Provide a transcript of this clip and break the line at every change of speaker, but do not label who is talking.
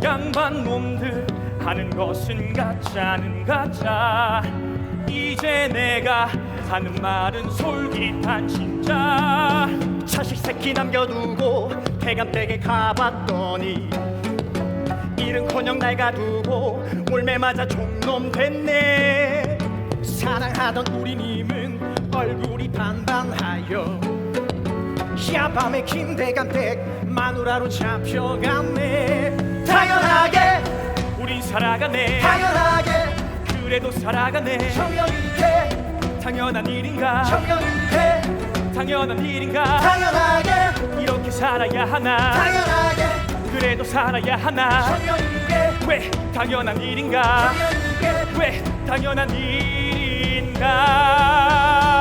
양반 놈들 하는 것은 가짜는 가짜. 이제 내가 하는 말은 솔깃한 진짜.
자식 새끼 남겨두고 태감댁에 가봤더니 일은커녕 날 가두고 올매 맞아 종놈 됐네. 사랑하던 우리 님은 얼굴이 반반하여 야밤에 김대감댁 마누라로 잡혀갔네. 당연하게
우린 살아가네.
당연하게
그래도 살아가네.
청년이게
당연한 일인가?
청년이게
당연한 일인가?
당연하게
이렇게 살아야 하나?
당연하게
그래도 살아야 하나?
청년이게
왜 당연한 일인가?
청년이게
왜 당연한 일인가?